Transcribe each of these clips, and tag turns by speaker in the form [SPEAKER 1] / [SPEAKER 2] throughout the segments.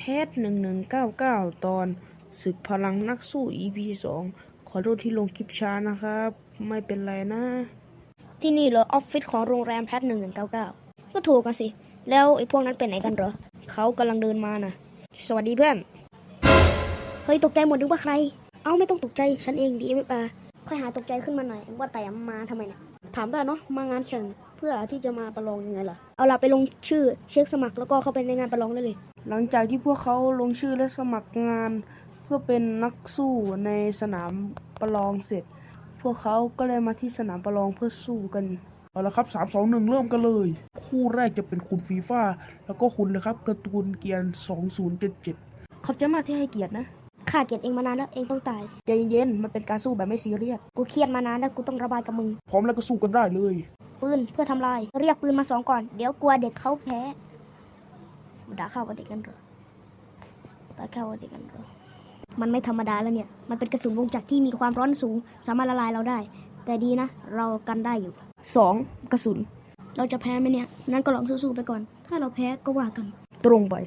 [SPEAKER 1] ท1199ตอนศึกพลังนักสู้ EP 2ขอโทษที่ลงคลิปช้านะครับไม่เป็นไรนะ
[SPEAKER 2] ที่นี่เหรอออฟฟิศของโรงแรมแพท1199ก็ถูกกันสิแล้วไอ้พวกนั้นเป็นไหนกันเหรอเขากำลังเดินมานะสวัสดีเพื่อนเฮ้ยตกใจหมดนึกว่าใครไม่ต้องตกใจฉันเองดีไม่ปาค่อยหาตกใจขึ้นมาหน่อยว่าแต่มาทำไมเนี่ยถามได้เนาะมางานแข่งเพื่อที่จะมาประลองยังไงล่ะเอาล่ะไปลงชื่อเช็คสมัครแล้วก็เข้าไปในงานประลองได้เลย
[SPEAKER 1] หลังจากที่พวกเขาลงชื่อและสมัครงานเพื่อเป็นนักสู้ในสนามประลองเสร็จพวกเขาก็เลยมาที่สนามประลองเพื่อสู้กัน
[SPEAKER 3] เอาละครับ3 2 1เริ่มกันเลยคู่แรกจะเป็นคุณฟีฟ่าแล้วก็คุณเลยครับการ์ตูนเกียร์2077
[SPEAKER 1] ขอบใจมากที่ให้เกียรตินะ
[SPEAKER 2] ข้าเกลียดเองมานานแล้วเองต้องตาย
[SPEAKER 1] ใจเย็นๆมันเป็นการสู้แบบไม่ซีเรียส
[SPEAKER 2] กูเครียดมานานแล้วกูต้องระบายกับมึง
[SPEAKER 3] พร้อมแล้วก็สู้กันได้เลย
[SPEAKER 2] ปืนเพื่อทำลายเรียกปืนมา2ก่อนเดี๋ยวกลัวเด็กเขาแพ้ด่าเข้ากับเด็กกันเหรอด่าเข้ากับเด็กกันเหรอมันไม่ธรรมดาแล้วเนี่ยมันเป็นกระสุนวงจักรที่มีความร้อนสูงสามารถละลายเราได้แต่ดีนะเรากันได้อยู่
[SPEAKER 1] 2กระสุน
[SPEAKER 2] เราจะแพ้ไหมเนี่ยนั้นก็ลองสู้ๆไปก่อนถ้าเราแพ้ก็ว่ากัน
[SPEAKER 1] ตรงไป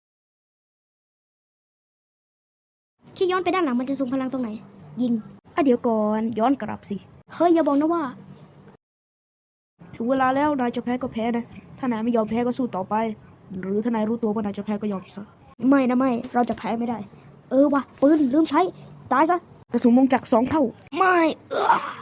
[SPEAKER 2] ที่ย้อนไปด้านหลังมันจะส่งพลังตรงไหนยิง
[SPEAKER 1] เดี๋ยวก่อนย้อนกลับสิ
[SPEAKER 2] เฮ้ยอย่าบอกนะว่า
[SPEAKER 1] ถึงเวลาแล้วนายจะแพ้ก็แพ้นะถ้านายไม่ยอมแพ้ก็สู้ต่อไปหรือถ้านายรู้ตัวว่านายจะแพ้ก็ยอมซะ
[SPEAKER 2] ไม่นะไม่เราจะแพ้ไม่ได้ว่ะปืนลืมใช้ตายซะ
[SPEAKER 1] กระสุนวงจักร2 เท่า
[SPEAKER 2] ไม่